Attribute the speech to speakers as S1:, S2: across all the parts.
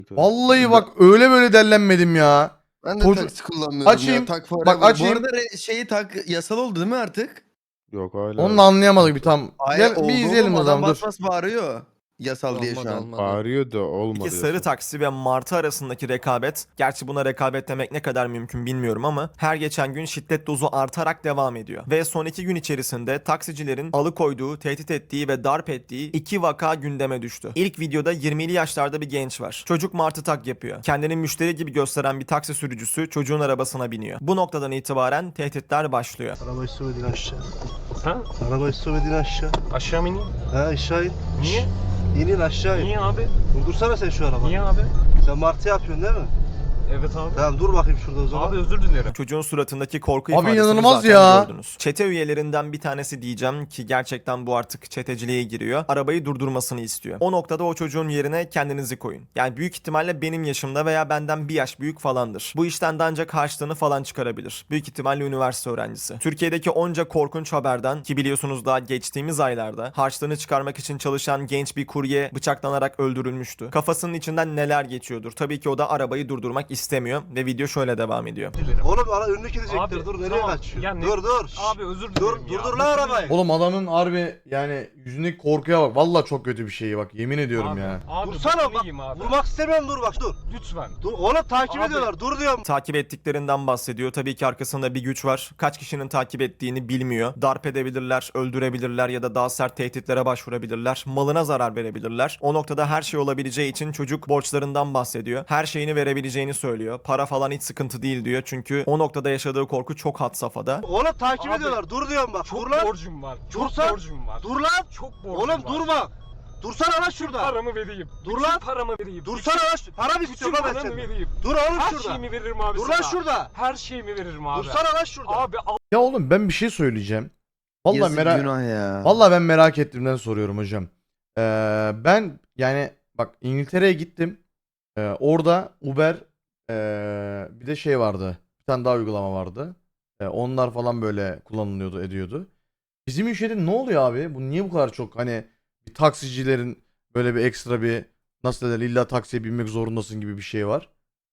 S1: Vallahi bak öyle böyle dellenmedim ya.
S2: Ben de
S1: Çocuk
S2: taksi kullanmıyorum
S1: açayım.
S2: ya. Tak forever.
S1: Bak açayım.
S2: Bu arada şeyi tak yasal oldu değil mi artık?
S3: Yok hala.
S1: Onu da anlayamadık bir tam.
S2: Hayır
S1: Gel bir
S2: oldu
S1: izleyelim
S2: oğlum.
S1: o
S2: Adam
S1: zaman
S2: bas
S1: dur.
S2: bas bağırıyor. Yasal diye şu
S4: Olmadı,
S2: an.
S4: olmadı.
S3: Bağırıyor da olmadı.
S5: İki sarı
S3: yasa.
S5: taksi ve Martı arasındaki rekabet, gerçi buna rekabet demek ne kadar mümkün bilmiyorum ama her geçen gün şiddet dozu artarak devam ediyor. Ve son 2 gün içerisinde taksicilerin alıkoyduğu, tehdit ettiği ve darp ettiği 2 vaka gündeme düştü. İlk videoda 20'li yaşlarda bir genç var. Çocuk Martı tak yapıyor. Kendini müşteri gibi gösteren bir taksi sürücüsü çocuğun arabasına biniyor. Bu noktadan itibaren tehditler başlıyor.
S6: Arabayı sürmedin aşağı.
S4: Ha?
S6: Arabayı sürmedin aşağı.
S4: Aşağı mı ineyim?
S6: Ha aşağı in.
S4: Niye?
S6: İnin aşağı in.
S4: Niye abi?
S6: Durdursana sen şu arabayı.
S4: Niye abi?
S6: Sen martı yapıyorsun değil mi?
S4: Evet abi.
S6: Tamam dur bakayım şurada o zaman.
S4: Abi özür dilerim.
S5: Çocuğun suratındaki korku
S1: Abi
S5: ifadesini
S1: inanılmaz
S5: zaten
S1: ya.
S5: gördünüz. Çete üyelerinden bir tanesi diyeceğim ki gerçekten bu artık çeteciliğe giriyor. Arabayı durdurmasını istiyor. O noktada o çocuğun yerine kendinizi koyun. Yani büyük ihtimalle benim yaşımda veya benden bir yaş büyük falandır. Bu işten de ancak harçlığını falan çıkarabilir. Büyük ihtimalle üniversite öğrencisi. Türkiye'deki onca korkunç haberden ki biliyorsunuz daha geçtiğimiz aylarda harçlığını çıkarmak için çalışan genç bir kurye bıçaklanarak öldürülmüştü. Kafasının içinden neler geçiyordur. Tabii ki o da arabayı durdurmak istemiyor ve video şöyle devam ediyor.
S4: Özür dilerim.
S6: Oğlum ara önüne gidecektir.
S4: Abi,
S6: Dur nereye
S4: tamam.
S6: kaçıyorsun?
S4: Ya ne-
S6: Dur dur. Şşş.
S4: Abi özür
S6: Dur
S4: dilerim ya.
S6: dur lan arabayı.
S1: Oğlum adamın harbi yani yüzündeki korkuya bak. Vallahi çok kötü bir şey bak. Yemin ediyorum
S4: Abi,
S1: ya.
S4: Abi,
S6: Dursana
S4: bak.
S6: bak.
S4: Abi.
S6: Vurmak istemiyorum dur bak dur.
S4: Lütfen.
S6: Dur oğlum takip
S4: Abi.
S6: ediyorlar. Dur diyorum.
S5: Takip ettiklerinden bahsediyor. Tabii ki arkasında bir güç var. Kaç kişinin takip ettiğini bilmiyor. Darp edebilirler, öldürebilirler ya da daha sert tehditlere başvurabilirler. Malına zarar verebilirler. O noktada her şey olabileceği için çocuk borçlarından bahsediyor. Her şeyini verebileceğini söylüyor. Para falan hiç sıkıntı değil diyor. Çünkü o noktada yaşadığı korku çok had safhada.
S6: Oğlum takip
S4: Abi,
S6: ediyorlar. Dur diyorum bak.
S4: Çok
S6: Dur lan.
S4: borcum var. Çok
S6: Dursan-
S4: borcum var.
S6: Dur lan.
S4: Çok borcum
S6: Oğlum
S4: var.
S6: dur bak. Dursana lan şurada.
S4: Paramı vereyim.
S6: Dur
S4: Bütün
S6: lan.
S4: paramı vereyim.
S6: Dursana lan. Para mı
S4: Bütün
S6: istiyorum lan ben
S4: paramı
S6: senden?
S4: vereyim.
S6: Dur oğlum
S4: Her
S6: şurada.
S4: şeyimi veririm abi
S6: Dur
S4: sana.
S6: lan şurada.
S4: Her şeyimi veririm abi.
S6: Dursana lan şurada.
S4: Abi
S1: Ya oğlum ben bir şey söyleyeceğim. Vallahi
S2: Yazık
S1: merak
S2: günah ya.
S1: Vallahi ben merak ettiğimden soruyorum hocam. Ben yani bak İngiltere'ye gittim. Orada Uber bir de şey vardı. Bir tane daha uygulama vardı. Onlar falan böyle kullanılıyordu, ediyordu. Bizim ülkede ne oluyor abi? Bu niye bu kadar çok hani bir taksicilerin böyle bir ekstra bir nasıl derler illa taksiye binmek zorundasın gibi bir şey var.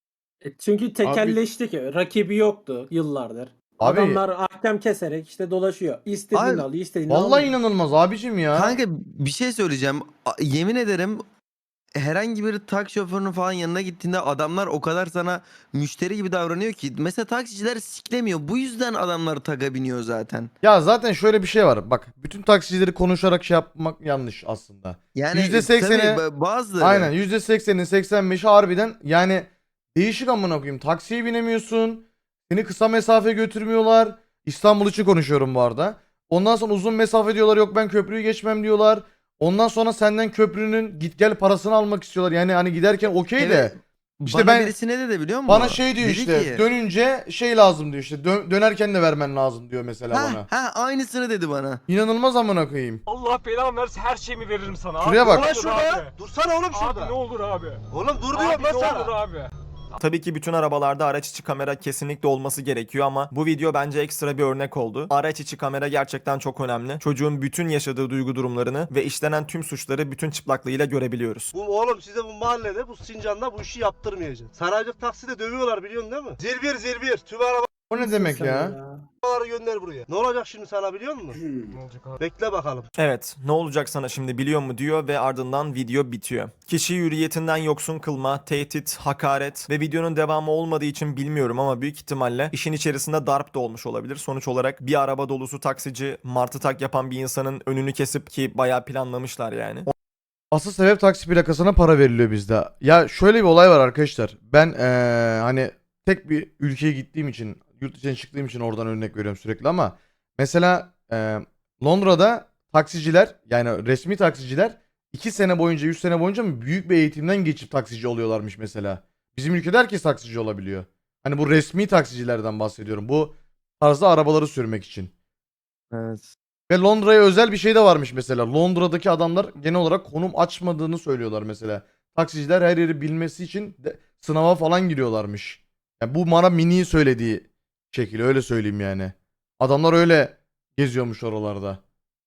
S7: Çünkü tekelleşti ki. Rakibi yoktu yıllardır.
S1: Abi-
S7: Adamlar ahkam keserek işte dolaşıyor. İstediğini
S2: Abi,
S7: alıyor, istediğini
S1: Vallahi
S7: almıyor.
S1: inanılmaz abicim ya.
S2: Kanka bir şey söyleyeceğim. Yemin ederim herhangi bir taksi şoförünün falan yanına gittiğinde adamlar o kadar sana müşteri gibi davranıyor ki. Mesela taksiciler siklemiyor. Bu yüzden adamlar taga biniyor zaten.
S1: Ya zaten şöyle bir şey var. Bak bütün taksicileri konuşarak şey yapmak yanlış aslında.
S2: Yani
S1: %80'i
S2: tabii bazıları.
S1: Aynen %80'i 85'i harbiden yani değişik amına koyayım. Taksiye binemiyorsun. Seni kısa mesafe götürmüyorlar. İstanbul için konuşuyorum bu arada. Ondan sonra uzun mesafe diyorlar yok ben köprüyü geçmem diyorlar. Ondan sonra senden köprünün git gel parasını almak istiyorlar. Yani hani giderken okey de.
S2: Evet.
S1: İşte
S2: Bana
S1: ben
S2: birisi ne dedi biliyor musun?
S1: bana şey diyor
S2: Dedi
S1: işte
S2: ki,
S1: dönünce şey lazım diyor işte dönerken de vermen lazım diyor mesela bana.
S2: Aynısını dedi bana.
S1: İnanılmaz amına koyayım.
S4: Allah belamı versin her şeyimi veririm sana.
S1: Şuraya
S4: abi.
S1: bak.
S4: Ne
S6: Ulan
S4: olur
S6: şurada.
S4: Abi.
S6: Dursana oğlum şurada.
S4: Abi ne olur abi.
S6: Oğlum dur diyorum
S4: Abi
S6: lan
S4: ne
S6: sana.
S4: olur abi.
S5: Tabii ki bütün arabalarda araç içi kamera kesinlikle olması gerekiyor ama bu video bence ekstra bir örnek oldu. Araç içi kamera gerçekten çok önemli. Çocuğun bütün yaşadığı duygu durumlarını ve işlenen tüm suçları bütün çıplaklığıyla görebiliyoruz.
S6: Bu oğlum size bu mahallede bu Sincan'da bu işi yaptırmayacak. Saraycık takside dövüyorlar biliyorsun değil mi? Zirbir zirbir tüm
S1: O ne demek
S7: Sen
S1: ya?
S6: arabaları gönder buraya. Ne olacak şimdi sana biliyor musun?
S4: Ne olacak abi?
S6: Bekle bakalım.
S5: Evet, ne olacak sana şimdi biliyor mu diyor ve ardından video bitiyor. Kişiyi hürriyetinden yoksun kılma, tehdit, hakaret ve videonun devamı olmadığı için bilmiyorum ama büyük ihtimalle işin içerisinde darp da olmuş olabilir. Sonuç olarak bir araba dolusu taksici martı tak yapan bir insanın önünü kesip ki bayağı planlamışlar yani.
S1: Asıl sebep taksi plakasına para veriliyor bizde. Ya şöyle bir olay var arkadaşlar. Ben hani tek bir ülkeye gittiğim için, yurt dışına çıktığım için oradan örnek veriyorum sürekli ama mesela Londra'da taksiciler yani resmi taksiciler 2 sene boyunca 3 sene boyunca büyük bir eğitimden geçip taksici oluyorlarmış mesela. Bizim ülkede herkes taksici olabiliyor. Hani bu resmi taksicilerden bahsediyorum. Bu tarzda arabaları sürmek için.
S2: Evet.
S1: Ve Londra'ya özel bir şey de varmış mesela. Londra'daki adamlar genel olarak konum açmadığını söylüyorlar mesela. Taksiciler her yeri bilmesi için de sınava falan giriyorlarmış. Yani bu bana Mini'yi söylediği şekil öyle söyleyeyim yani. Adamlar öyle geziyormuş oralarda.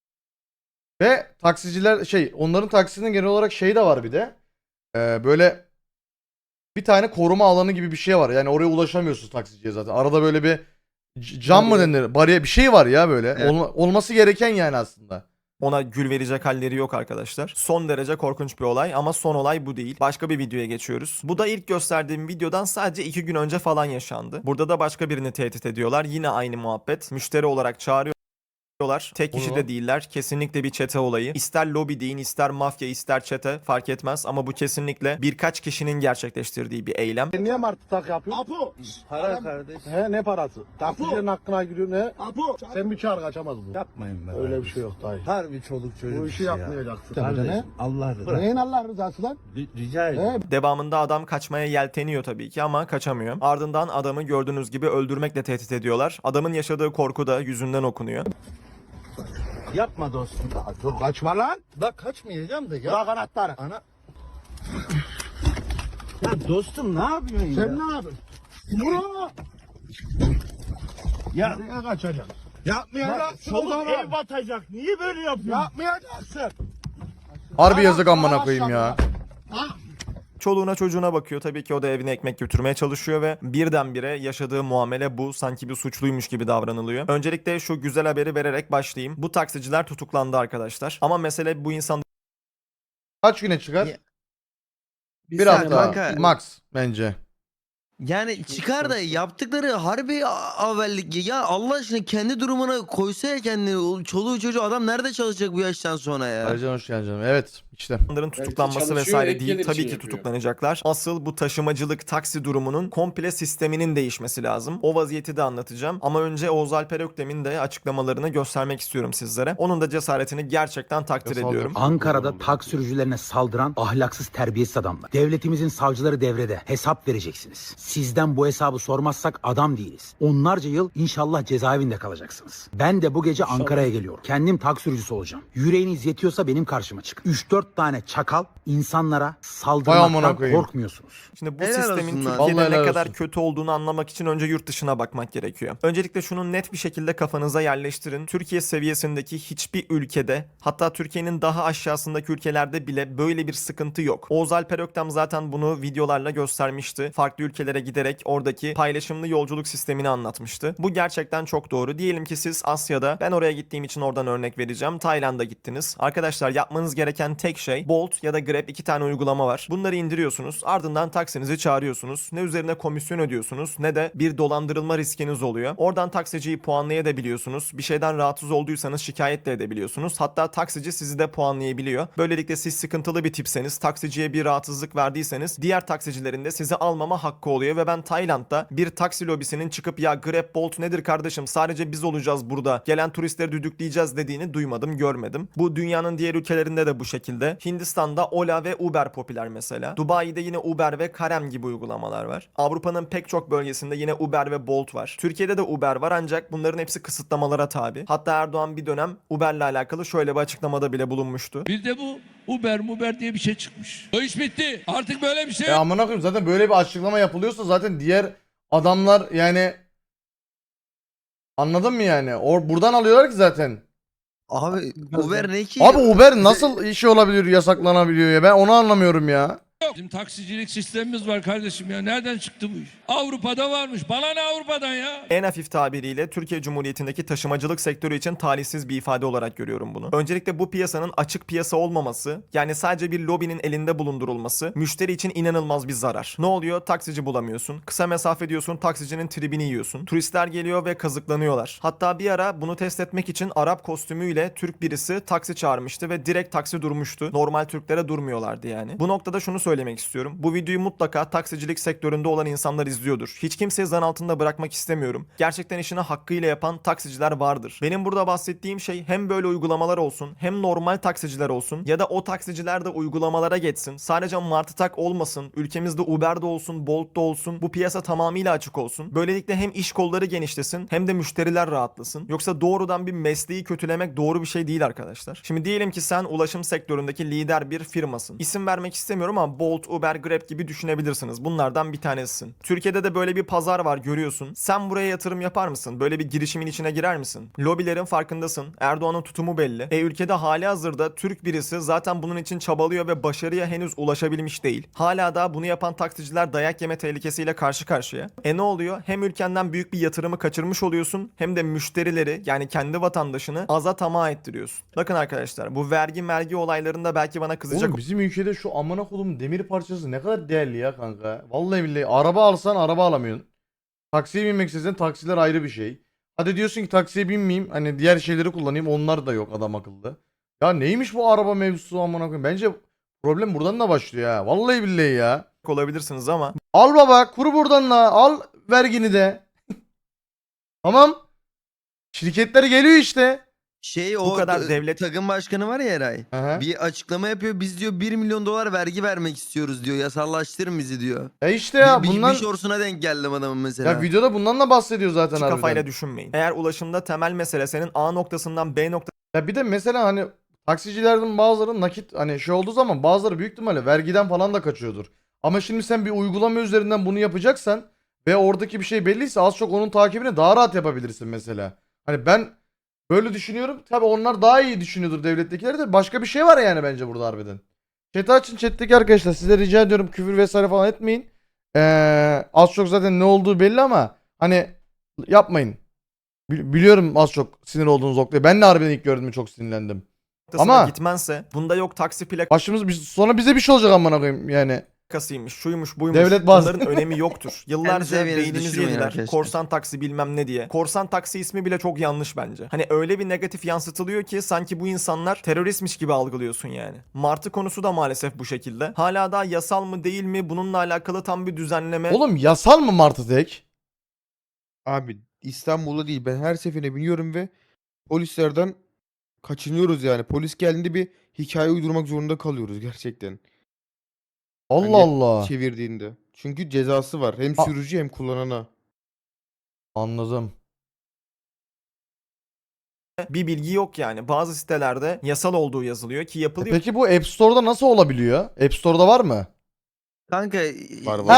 S1: Ve taksiciler onların taksisinin genel olarak şey de var bir de. Böyle bir tane koruma alanı gibi bir şey var. Yani oraya ulaşamıyorsun taksiciye zaten. Arada böyle bir cam mı denir? Bariyer bir şey var ya böyle.
S2: Evet.
S1: Olması gereken yani aslında.
S5: Ona gül verecek halleri yok arkadaşlar. Son derece korkunç bir olay ama son olay bu değil. Başka bir videoya geçiyoruz. Bu da ilk gösterdiğim videodan sadece 2 gün önce falan yaşandı. Burada da başka birini tehdit ediyorlar. Yine aynı muhabbet. Müşteri olarak çağırıyorlar. Tek kişi
S1: Onu-
S5: de değiller. Kesinlikle bir çete olayı. İster lobi deyin, ister mafya, ister çete fark etmez ama bu kesinlikle birkaç kişinin gerçekleştirdiği bir eylem.
S8: Niye martı tak yapıyorsun?
S6: Apo. Para kardeş.
S8: He ne parası? Taksicilerin hakkına giriyor ne?
S6: Apo.
S8: Sen bir çağır kaçamaz bu.
S9: Yapmayın be.
S8: Öyle bir şey yok dayı.
S9: Harbi çoluk çocuk
S8: Bu işi
S9: ya.
S8: yapmayacaksın.
S9: Kardeşim Allah rızası.
S8: Neyin Allah rızası lan?
S9: Rica ederim.
S5: Devamında adam kaçmaya yelteniyor tabii ki ama kaçamıyor. Ardından adamı gördüğünüz gibi öldürmekle tehdit ediyorlar. Adamın yaşadığı korku da yüzünden okunuyor.
S9: Yapma dostum.
S8: Dur kaçma lan.
S9: Bak kaçmayacağım da ya.
S8: Bırak anahtarı.
S9: Ana. Ya dostum ne yapıyorsun ya?
S8: Sen ne yapıyorsun? Vur.
S9: Ya
S8: Nereye kaçacaksın?
S9: yapmayacaksın.
S8: Çoluk
S9: Ev batacak. Niye böyle yapıyorsun?
S8: Yapmayacaksın.
S1: Harbi yazık amına koyayım ya.
S5: Çoluğuna çocuğuna bakıyor. Tabii ki o da evine ekmek götürmeye çalışıyor ve birdenbire yaşadığı muamele bu. Sanki bir suçluymuş gibi davranılıyor. Öncelikle şu güzel haberi vererek başlayayım. Bu taksiciler tutuklandı arkadaşlar. Ama mesele bu insanların
S1: Kaç güne çıkar?
S2: Ya-
S1: Bir
S2: saniye
S1: hafta
S2: kanka.
S1: max bence.
S2: Yani çıkar da yaptıkları harbi avellik ya. Allah aşkına kendi durumuna koysa ya kendini. O çoluğu çocuğu adam nerede çalışacak bu yaştan sonra ya?
S1: Ayrıca hoş geldin canım. Evet işte.
S5: tutuklanması
S7: çalışıyor,
S5: vesaire
S7: ek
S5: değil.
S7: gelir
S5: Tabii
S7: için
S5: ki
S7: yapıyor.
S5: tutuklanacaklar. Asıl bu taşımacılık taksi durumunun komple sisteminin değişmesi lazım. O vaziyeti de anlatacağım. Ama önce Oğuz Alper Öktem'in de açıklamalarını göstermek istiyorum sizlere. Onun da cesaretini gerçekten takdir
S1: Ya
S5: ediyorum.
S10: Ankara'da taksi sürücülerine saldıran ahlaksız terbiyesiz adamlar. Devletimizin savcıları devrede. Hesap vereceksiniz. Sizden bu hesabı sormazsak adam değiliz. Onlarca yıl inşallah cezaevinde kalacaksınız. Ben de bu gece Ankara'ya geliyorum. Kendim taksi sürücüsü olacağım. Yüreğiniz yetiyorsa benim karşıma çık. 3-4 tane çakal insanlara
S1: Vay amına
S10: saldırmaktan
S1: koyayım.
S10: korkmuyorsunuz.
S5: Şimdi bu
S2: Helal
S5: sistemin
S2: olsun lan.
S5: Türkiye'de
S1: Vallahi
S5: ne
S1: helal
S5: kadar
S1: olsun.
S5: kötü olduğunu anlamak için önce yurt dışına bakmak gerekiyor. Öncelikle şunu net bir şekilde kafanıza yerleştirin. Türkiye seviyesindeki hiçbir ülkede, hatta Türkiye'nin daha aşağısındaki ülkelerde bile böyle bir sıkıntı yok. Oğuz Alper Öktem zaten bunu videolarla göstermişti. Farklı ülkelere giderek oradaki paylaşımlı yolculuk sistemini anlatmıştı. Bu gerçekten çok doğru. Diyelim ki siz Asya'da, ben oraya gittiğim için oradan örnek vereceğim. Tayland'a gittiniz. Arkadaşlar yapmanız gereken tek şey Bolt ya da Grab, 2 tane uygulama var. Bunları indiriyorsunuz. Ardından taksinizi çağırıyorsunuz. Ne üzerine komisyon ödüyorsunuz ne de bir dolandırılma riskiniz oluyor. Oradan taksiciyi puanlayabiliyorsunuz. Bir şeyden rahatsız olduysanız şikayet de edebiliyorsunuz. Hatta taksici sizi de puanlayabiliyor. Böylelikle siz sıkıntılı bir tipseniz, taksiciye bir rahatsızlık verdiyseniz diğer taksicilerin de sizi almama hakkı oluyor ve ben Tayland'da bir taksi lobisinin çıkıp ya Grab, Bolt nedir kardeşim, sadece biz olacağız burada, gelen turistleri düdükleyeceğiz dediğini duymadım, görmedim. Bu dünyanın diğer ülkelerinde de bu şekilde. Hindistan'da Ola ve Uber popüler mesela. Dubai'de yine Uber ve Karem gibi uygulamalar var. Avrupa'nın pek çok bölgesinde yine Uber ve Bolt var. Türkiye'de de Uber var ancak bunların hepsi kısıtlamalara tabi. Hatta Erdoğan bir dönem Uber'le alakalı şöyle bir açıklamada bile bulunmuştu.
S11: Bizde bu Uber diye bir şey çıkmış. O iş bitti. Artık böyle bir şey
S1: Ya amına koyayım, zaten böyle bir açıklama yapılıyorsa zaten diğer adamlar yani, anladın mı yani? Buradan alıyorlar ki zaten.
S2: Abi Uber ne ki?
S1: Abi Uber nasıl işi olabiliyor, yasaklanabiliyor ya? Ben onu anlamıyorum ya.
S11: Bizim taksicilik sistemimiz var kardeşim ya. Nereden çıktı bu iş? Avrupa'da varmış. Bana ne Avrupa'dan ya?
S5: En hafif tabiriyle Türkiye Cumhuriyeti'ndeki taşımacılık sektörü için talihsiz bir ifade olarak görüyorum bunu. Öncelikle bu piyasanın açık piyasa olmaması, yani sadece bir lobinin elinde bulundurulması müşteri için inanılmaz bir zarar. Ne oluyor? Taksici bulamıyorsun. Kısa mesafe diyorsun, taksicinin tribini yiyorsun. Turistler geliyor ve kazıklanıyorlar. Hatta bir ara bunu test etmek için Arap kostümüyle Türk birisi taksi çağırmıştı ve direkt taksi durmuştu. Normal Türklere durmuyorlardı yani. Bu noktada şunu söylemek istiyorum. Bu videoyu mutlaka taksicilik sektöründe olan insanlar izliyordur. Hiç kimseyi zan altında bırakmak istemiyorum. Gerçekten işini hakkıyla yapan taksiciler vardır. Benim burada bahsettiğim şey hem böyle uygulamalar olsun, hem normal taksiciler olsun ya da o taksiciler de uygulamalara geçsin. Sadece Martı Tak olmasın. Ülkemizde Uber'de olsun, Bolt'da olsun. Bu piyasa tamamıyla açık olsun. Böylelikle hem iş kolları genişlesin hem de müşteriler rahatlasın. Yoksa doğrudan bir mesleği kötülemek doğru bir şey değil arkadaşlar. Şimdi diyelim ki sen ulaşım sektöründeki lider bir firmasın. İsim vermek istemiyorum ama Bolt, Uber, Grab gibi düşünebilirsiniz. Bunlardan bir tanesisin. Türkiye'de de böyle bir pazar var, görüyorsun. Sen buraya yatırım yapar mısın? Böyle bir girişimin içine girer misin? Lobilerin farkındasın. Erdoğan'ın tutumu belli. Ülkede halihazırda Türk birisi zaten bunun için çabalıyor ve başarıya henüz ulaşabilmiş değil. Hala da bunu yapan taksiciler dayak yeme tehlikesiyle karşı karşıya. Ne oluyor? Hem ülkenden büyük bir yatırımı kaçırmış oluyorsun, hem de müşterileri, yani kendi vatandaşını aza tamah ettiriyorsun. Bakın arkadaşlar, bu vergi olaylarında belki bana kızacak
S1: Oğlum bizim ülkede şu amına kodum demir parçası ne kadar değerli ya kanka. Vallahi billahi araba alsan araba alamıyorsun. Taksiye binmek istesen taksiler ayrı bir şey. Hadi diyorsun ki taksiye binmeyeyim, hani diğer şeyleri kullanayım, onlar da yok adam akıllı. Ya neymiş bu araba mevzusu amına koyayım. Bence problem buradan da başlıyor ha. Vallahi billahi ya.
S5: olabilirsiniz ama
S1: Al baba kuru buradan da al vergini de. Tamam. Şirketler geliyor işte.
S2: O
S5: kadar devlet-
S2: takım başkanı var ya Eray.
S1: Aha.
S2: Bir açıklama yapıyor. Biz diyor 1 milyon dolar vergi vermek istiyoruz diyor. Yasallaştırın bizi diyor.
S1: İşte ya
S2: bir
S1: bundan
S2: şorsuna denk geldim adamın mesela.
S1: ya videoda bundan da bahsediyor zaten
S5: hiç
S1: harbiden.
S5: kafayla düşünmeyin. Eğer ulaşımda temel mesele senin A noktasından B
S1: Ya bir de mesela hani taksicilerden bazıları nakit hani şey olduğu zaman bazıları büyük ihtimalle vergiden falan da kaçıyordur. Ama şimdi sen bir uygulama üzerinden bunu yapacaksan ve oradaki bir şey belliyse az çok onun takibini daha rahat yapabilirsin mesela. Hani ben böyle düşünüyorum. Tabii onlar daha iyi düşünüyordur devlettekiler de. Başka bir şey var yani bence burada harbiden. Chat'i açın, chat'teki arkadaşlar size rica ediyorum küfür vesaire falan etmeyin. Az çok zaten ne olduğu belli ama hani yapmayın. Biliyorum az çok sinir olduğunuz noktayı. Ben de harbiden ilk gördüğümde çok sinirlendim.
S5: noktasına
S1: Ama-
S5: gitmense, bunda yok taksi
S1: Sonra bize bir şey olacak amına koyayım yani.
S5: plakasıymış, şuymuş, buymuş.
S1: Devlet bazı-
S5: Bunların önemi yoktur. Yıllarca
S2: seviyenizi
S5: beyninizi
S2: düşürmeyin
S5: yediler.
S2: arkadaşlar.
S5: Korsan taksi bilmem ne diye. Korsan taksi ismi bile çok yanlış bence. Hani öyle bir negatif yansıtılıyor ki sanki bu insanlar teröristmiş gibi algılıyorsun yani. Martı konusu da maalesef bu şekilde. Hala daha yasal mı değil mi, bununla alakalı tam bir düzenleme
S1: Oğlum yasal mı Martı tek?
S3: Abi İstanbul'da değil. Ben her seferine biniyorum ve polislerden kaçınıyoruz yani. Polis geldiğinde bir hikaye uydurmak zorunda kalıyoruz gerçekten.
S1: Allah
S3: Hani
S1: Allah.
S3: Çevirdiğinde. Çünkü cezası var. Hem
S1: Ha-
S3: sürücü hem kullanana.
S1: Anladım.
S5: bir bilgi yok yani. Bazı sitelerde yasal olduğu yazılıyor ki yapılıyor.
S1: Peki bu App Store'da nasıl olabiliyor? App Store'da var mı?
S2: Kanka
S3: Var, var.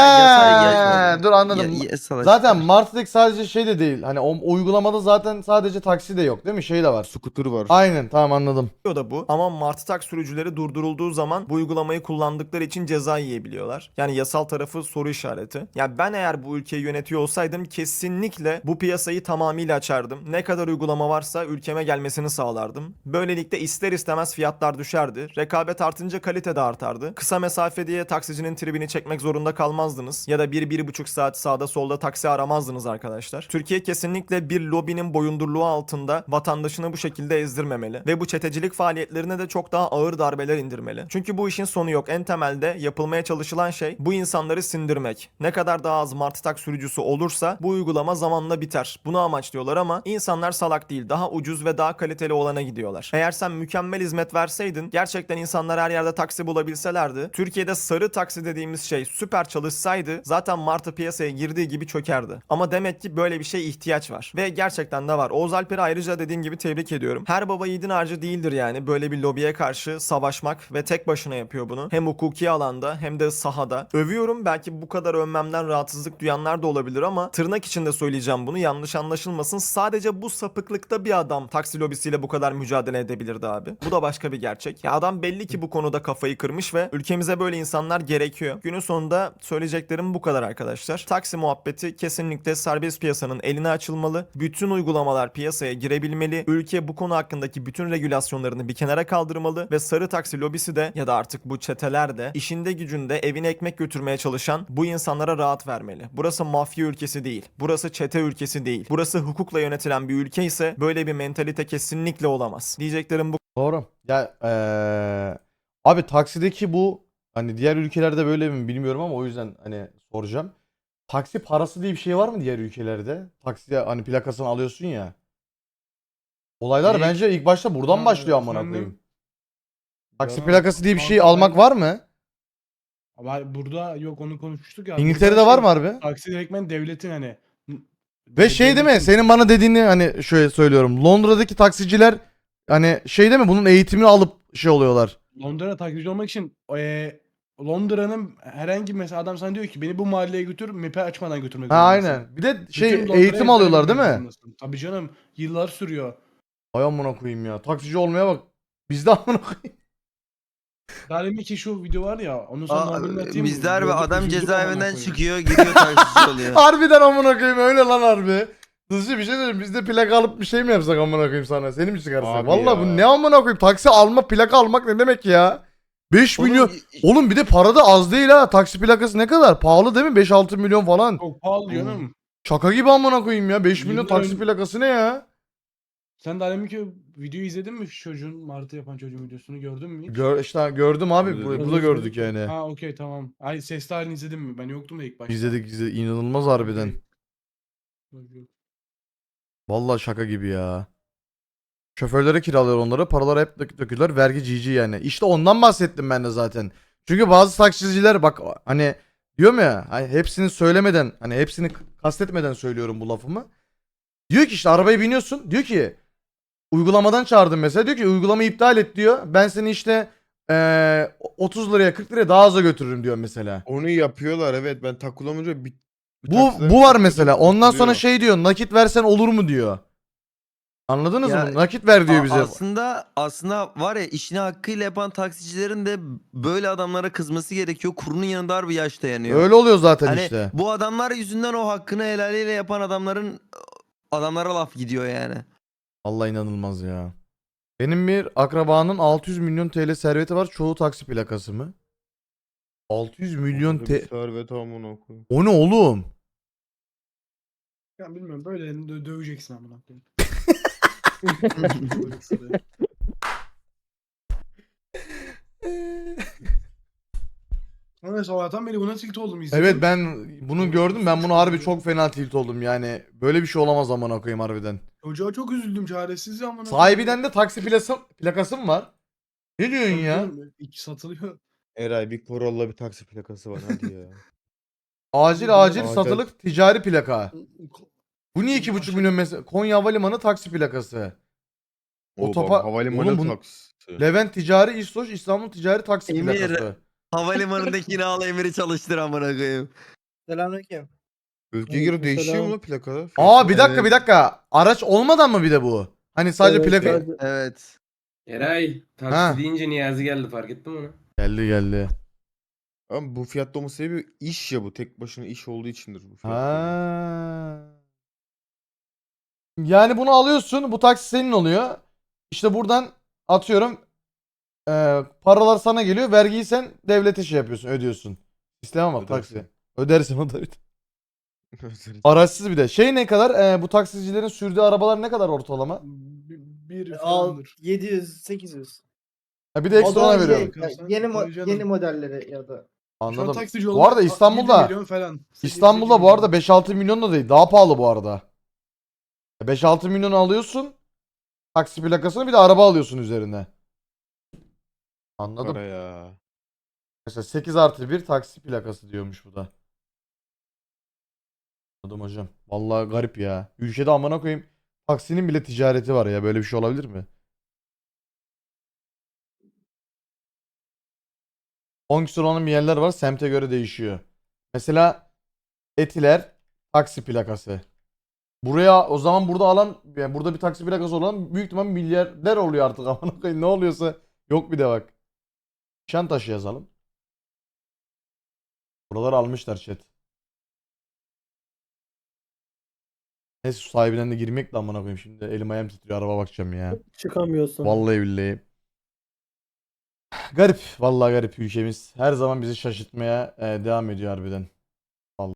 S1: Dur anladım.
S2: Yasal
S1: Zaten Martı tek sadece şey de değil. Hani o uygulamada zaten sadece taksi de yok değil mi? Şey de var.
S3: Scooter var.
S1: Aynen tamam anladım.
S5: da bu. Ama martı tak sürücüleri durdurulduğu zaman bu uygulamayı kullandıkları için ceza yiyebiliyorlar. Yani yasal tarafı soru işareti. Yani ben eğer bu ülkeyi yönetiyor olsaydım kesinlikle bu piyasayı tamamıyla açardım. Ne kadar uygulama varsa ülkeme gelmesini sağlardım. Böylelikle ister istemez fiyatlar düşerdi. Rekabet artınca kalite de artardı. Kısa mesafe diye taksicinin tribini çekmek zorunda kalmazdınız. Ya da 1-1,5 saat sağda solda taksi aramazdınız arkadaşlar. Türkiye kesinlikle bir lobinin boyundurluğu altında vatandaşını bu şekilde ezdirmemeli. Ve bu çetecilik faaliyetlerine de çok daha ağır darbeler indirmeli. Çünkü bu işin sonu yok. En temelde yapılmaya çalışılan şey bu insanları sindirmek. Ne kadar daha az martı tak sürücüsü olursa bu uygulama zamanla biter. Bunu amaçlıyorlar ama insanlar salak değil. Daha ucuz ve daha kaliteli olana gidiyorlar. Eğer sen mükemmel hizmet verseydin, gerçekten insanlar her yerde taksi bulabilselerdi, Türkiye'de sarı taksi dediğimiz şey süper çalışsaydı zaten martı piyasaya girdiği gibi çökerdi. Ama demek ki böyle bir şeye ihtiyaç var. Ve gerçekten de var. Oğuz Alper'i ayrıca dediğim gibi tebrik ediyorum. Her baba yiğidin harcı değildir yani. Böyle bir lobiye karşı savaşmak ve tek başına yapıyor bunu. Hem hukuki alanda hem de sahada. Övüyorum, belki bu kadar övmemden rahatsızlık duyanlar da olabilir ama tırnak içinde söyleyeceğim bunu, yanlış anlaşılmasın. Sadece bu sapıklıkta bir adam taksi lobisiyle bu kadar mücadele edebilirdi abi. Bu da başka bir gerçek. Ya adam belli ki bu konuda kafayı kırmış ve ülkemize böyle insanlar gerekiyor. Günün sonunda söyleyeceklerim bu kadar arkadaşlar. Taksi muhabbeti kesinlikle serbest piyasanın eline açılmalı. Bütün uygulamalar piyasaya girebilmeli. Ülke bu konu hakkındaki bütün regülasyonlarını bir kenara kaldırmalı ve sarı taksi lobisi de ya da artık bu çeteler de işinde gücünde evine ekmek götürmeye çalışan bu insanlara rahat vermeli. Burası mafya ülkesi değil. Burası çete ülkesi değil. Burası hukukla yönetilen bir ülke ise böyle bir mentalite kesinlikle olamaz. Diyeceklerim bu
S1: Doğru. Ya abi taksideki bu hani diğer ülkelerde böyle mi bilmiyorum ama o yüzden hani soracağım. Taksi parası diye bir şey var mı diğer ülkelerde? Taksiye hani plakasını alıyorsun ya. Olaylar bence ilk başta buradan başlıyor amına koyayım. Taksi plakası diye bir şey almak var mı?
S8: Ama burada yok, onu konuşmuştuk ya.
S1: İngiltere'de var mı harbi?
S8: Taksi direktmen devletin hani.
S1: Ve şey değil mi? Senin bana dediğini hani şöyle söylüyorum. Londra'daki taksiciler hani şey değil mi? Bunun eğitimini alıp şey oluyorlar.
S8: Londra taksici olmak için Londra'nın herhangi mesela adam sana diyor ki beni bu mahalleye götür, map'i açmadan götürmek
S1: Ha
S8: zorundasın.
S1: aynen. Bir de
S8: Bütün
S1: şey
S8: Londra'ya
S1: eğitim alıyorlar değil
S8: ezbere
S1: mi?
S8: bilmek zorundasın. Tabii canım, yıllar sürüyor.
S1: Ay amına koyayım ya. Taksici olmaya bak. Bizde amına koyayım.
S8: Daha demin ki şu video var ya, onu sana normalini atayım.
S2: Bizde harbi
S8: Gördüm,
S2: adam
S8: üzüldüm amına
S2: cezaevinden
S8: koyayım.
S2: çıkıyor gidiyor taksici oluyor.
S1: Harbiden amına koyayım öyle lan harbi. Hızlı bir şey söyleyeyim. Biz de plaka alıp bir şey mi yapsak amına koyayım sana? Seni mi çıkarsak?
S3: Abi
S1: Vallahi bu
S3: ya.
S1: ne amına koyayım? Taksi alma, plaka almak ne demek ya? 5
S2: Oğlum,
S1: milyon. Oğlum bir de para da az değil ha. Taksi plakası ne kadar? Pahalı değil mi? 5-6 milyon falan.
S8: Çok pahalı canım.
S1: Şaka gibi amına koyayım ya. 5 milyon
S8: Yıllar
S1: taksi
S8: önce-
S1: plakası ne ya?
S8: Sen daha demin ki videoyu izledin mi? Şu çocuğun, Martı yapan çocuğun videosunu gördün mü hiç?
S1: İşte gördüm abi.
S3: Gördüm.
S1: Burada gördük yani.
S8: Ha okey tamam. Ay sesli halini izledin mi? Ben yoktum da ilk başta.
S1: İzledik. İnanılmaz harbiden.
S8: Okey.
S1: Vallahi şaka gibi ya. Şoförlere kiralıyor onları. Paraları hep döküyorlar. Vergi cici yani. İşte ondan bahsettim ben de zaten. Çünkü bazı taksiciler bak hani diyorum ya hani hepsini söylemeden hani hepsini kastetmeden söylüyorum bu lafımı. Diyor ki işte arabaya biniyorsun. Diyor ki uygulamadan çağırdım mesela. Diyor ki uygulamayı iptal et diyor. Ben seni işte 30 liraya 40 liraya daha aza götürürüm diyor mesela.
S3: Onu yapıyorlar evet. Ben takılamayınca bir
S1: Bu var mesela. Ondan sonra
S3: kurtuluyor.
S1: şey diyor. Nakit versen olur mu diyor. Anladınız
S2: Ya,
S1: mı? Nakit ver diyor bize.
S2: Aslında var ya işini hakkıyla yapan taksicilerin de böyle adamlara kızması gerekiyor. Kurunun yanında harbi yaş dayanıyor.
S1: Öyle oluyor zaten
S2: Hani
S1: işte.
S2: bu adamlar yüzünden o hakkını helaliyle yapan adamlara laf gidiyor yani.
S1: Allah inanılmaz ya. Benim bir akrabanın 600 milyon TL serveti var. Çoğu taksi plakası mı? 600 milyon
S3: Orada bir
S1: TL.
S3: servet amına koyayım.
S1: O ne oğlum?
S8: Ya bilmiyorum, böyle döveceksin amına koyayım. Ama sabahtan beri buna tilt oldum izledim.
S1: Evet ben bunu gördüm. Ben bunu harbi çok fena tilt oldum yani. Böyle bir şey olamaz amına koyayım harbiden.
S8: Çocuğa çok üzüldüm, çaresiz ya amına
S1: Sahibiden de taksi plakası mı var? Ne diyorsun ya?
S8: İki satılıyor.
S3: Eray bir Corolla bir taksi plakası var hadi ya.
S1: Acil
S3: Acil.
S1: satılık ticari plaka. Bu niye 2,5
S8: Aşağı-
S1: milyon mesela? Konya Havalimanı taksi plakası.
S3: O
S1: Otopa-
S3: bak, havalimanı
S1: Oğlum bunu-
S3: taksi.
S1: Levent Ticari İstoç İstanbul Ticari Taksi
S2: Emir.
S1: plakası.
S2: Havalimanındakini al Emir'i çalıştır amına koyayım.
S6: Selamünaleyküm.
S3: Ülkeye göre
S6: Mesela-
S3: değişiyor mu lan plaka?
S1: Aa bir
S3: Fiyatı?
S1: dakika bir dakika. Araç olmadan mı bir de bu? Hani sadece
S6: Evet,
S1: plaka.
S6: evet.
S2: Evet.
S12: Eray, taksi
S1: Ha.
S12: deyince Niyazi geldi, fark ettin mi onu?
S1: Geldi.
S3: Ama bu fiyatta olması sebebi iş ya bu. Tek başına iş olduğu içindir bu fiyat.
S1: Ha. Yani bunu alıyorsun. Bu taksi senin oluyor. İşte buradan atıyorum paralar sana geliyor. Vergiyi sen devlete şey yapıyorsun. Ödüyorsun. İstemem bak
S3: Ödersin.
S1: taksi. Ödersin o da. Araçsız bir de. Şey ne kadar? Bu taksicilerin sürdüğü arabalar ne kadar ortalama?
S8: Bir falandır.
S6: 700-800.
S1: Ha, bir de ekstra ona veriyorum.
S8: Yeni
S6: modelleri ya da.
S8: Şu an
S1: Anladım.
S8: taksici
S1: Bu
S8: olmak
S1: arada
S8: 7
S1: İstanbul'da
S8: milyon falan. 8
S1: İstanbul'da bu
S8: milyon.
S1: arada 5-6 milyon da değil. Daha pahalı bu arada. 5-6 milyon alıyorsun. Taksi plakasını bir de araba alıyorsun üzerine. Anladım.
S3: Para ya.
S1: Mesela 8+1 taksi plakası diyormuş bu da. Anladım hocam. Vallahi garip ya. Ülkede amına koyayım. Taksinin bile ticareti var ya. Böyle bir şey olabilir mi? 10 küsur olan bir yerler var. Semte göre değişiyor. Mesela Etiler taksi plakası. Buraya o zaman burada alan yani burada bir taksi plakası olan büyük ihtimal milyarder oluyor artık amına koyayım. Ne oluyorsa yok bir de bak. Nişantaşı yazalım. Buraları almışlar chat. Neyse su sahibinden de girmek de amına koyayım şimdi. Elim ayağım titriyor araba bakacağım ya.
S6: Çıkamıyorsun.
S1: Vallahi billahi. Garip. Vallahi garip ülkemiz. Her zaman bizi şaşırtmaya devam ediyor harbiden.